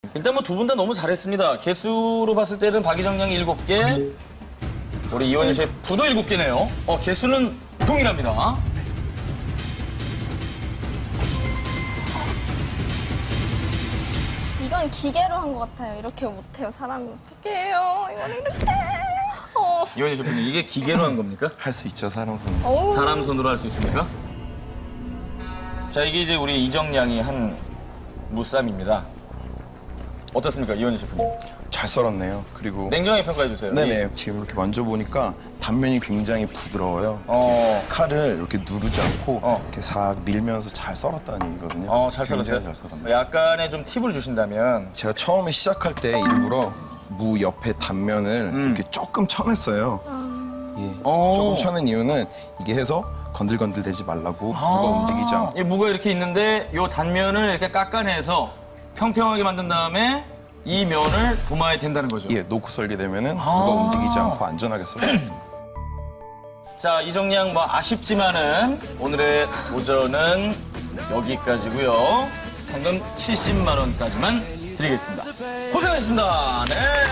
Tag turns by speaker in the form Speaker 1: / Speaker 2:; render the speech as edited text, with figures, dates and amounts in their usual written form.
Speaker 1: 일단 뭐 두 분 다 너무 잘했습니다. 개수로 봤을 때는 박희정 양이 7개, 우리 이원희 셰프도 7개네요. 개수는 동일합니다.
Speaker 2: 이건 기계로 한 것 같아요. 이렇게 못해요. 사람이 어떻게 해요? 이걸 이렇게.
Speaker 1: 이원희 셰프님, 이게 기계로 한 겁니까?
Speaker 3: 할 수 있죠, 사람 손으로.
Speaker 2: 어우.
Speaker 1: 사람 손으로 할 수 있습니까? 자, 이게 이제 우리 이정 양이 한 무쌈입니다. 어떻습니까, 이원희 셰프님?
Speaker 3: 잘 썰었네요. 그리고
Speaker 1: 냉정하게 평가해 주세요.
Speaker 3: 네네, 지금 이렇게 만져보니까 단면이 굉장히 부드러워요. 칼을 이렇게 누르지 않고 이렇게 싹 밀면서 잘 썰었다는 얘기거든요.
Speaker 1: 잘
Speaker 3: 굉장히
Speaker 1: 썰었어요?
Speaker 3: 잘 썰었네요.
Speaker 1: 약간의 좀 팁을 주신다면.
Speaker 3: 제가 처음에 시작할 때 일부러 무 옆에 단면을 이렇게 조금 쳐냈어요. 예, 조금 쳐낸 이유는 이게 해서 건들건들대지 말라고 무가 움직이지 않고.
Speaker 1: 이 무가 이렇게 있는데 이 단면을 이렇게 깎아내서 평평하게 만든 다음에 이 면을 도마에 댄다는 거죠.
Speaker 3: 예, 놓고 썰게 되면은 무가 움직이지 않고 안전하게 썰 수 있습니다.
Speaker 1: 자, 이정 양 뭐 아쉽지만은 오늘의 도전은 여기까지고요. 상금 70만 원까지만 드리겠습니다. 고생하셨습니다. 네.